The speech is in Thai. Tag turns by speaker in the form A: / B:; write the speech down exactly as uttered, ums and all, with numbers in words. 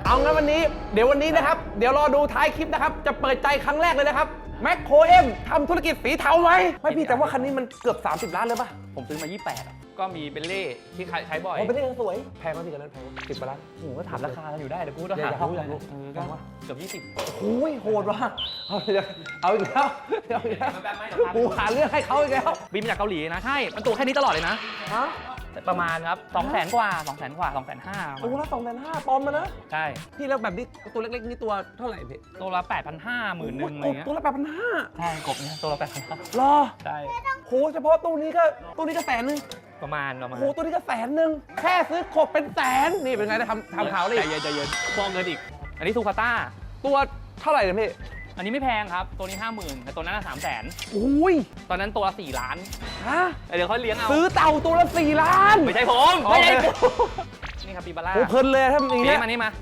A: เอางั้นวันนี้เดี๋ยววันนี้นะครับเดี๋ยวรอดูท้ายคลิปนะครับจะเปิดใจครั้งแรกเลยนะครับแมคโครเอ็มทำธุรกิจสีเทาไหมไม่พี่แต่ว่าคันนี้มันเกือบสามสิบล้านเลยป่ะ
B: ผมซื้อมายี่สิบแปดอ่ะก็มีเบลเล่ที่ใช้บ่อย
A: โอ้เป็นเรื่องสวยแพงกว่าพี่กันนั้นแพงกว่าสิบกว่าล้าน
B: โอ้โหก็ถามราคากันอยู่ได้เดี๋ยวกูต้อง
A: อยา
B: หาก
A: รู้อยากรู้
B: เออก็เกือบยี่สิบ
A: โอ้ยโหดว่ะเอาอีกแล้วเอาอีกแล้วเอาอีกแล้ว
B: มันแบบไม่ราคา
A: กูหาเรื่องให้เขาอีกแล้ว
B: บินมาจากเกาหลีนะใช่มันตัวแค่นี้ตลอดเลยนะ
A: ฮะ
B: ประมาณครับสองแสนกว่าสองแสนกว่าสองแสนห้า
A: ตัวละสองแสนห้าปลอมมานะ
B: ใช่
A: พี่แล้วแบบนี้ตัวเล็กๆนี่ตัวเท่าไหร่พี่
B: ตัวละแปดพันห้าหมื่นหนึ่งอะไรเงี้ย
A: ตัวละแปดพันห้า
B: ใช่กบเนี่ยตัวละแปดพันห้าร
A: อ
B: ใช่
A: โหเฉพาะตัวนี้ก็ตัวนี้ก็แสนนึง
B: ประมาณประมาณ
A: โหตัวนี้ก็แสนนึงแค่ซื้อขบเป็นแสนนี่เป็นไงนะทำทำข่าวเลย
B: ใจเย็นใจเย็นฟองเงินอีก อันนี้ซูคาต้า
A: ตัวเท่าไหร่เนี่ยพี่
B: อันนี้ไม่แพงครับตัวนี้ห้าหมื่นแต่ตัวนั้นสามแสน
A: อุ้ย
B: ตอนนั้นตัวละสี่ล้าน
A: ฮะ
B: เดี๋ยวเขาเลี้ยงเอา
A: ซื้อเต่าตัวละสี่ล้าน
B: ไม่ใช่ผม
A: โอ
B: ไม่
A: เค
B: ใช่ผมนี่ครับปีบาร่า
A: โอ้เพลินเลยถ้าอย่าง
B: นี่
A: เงี้ย
B: มานี่มา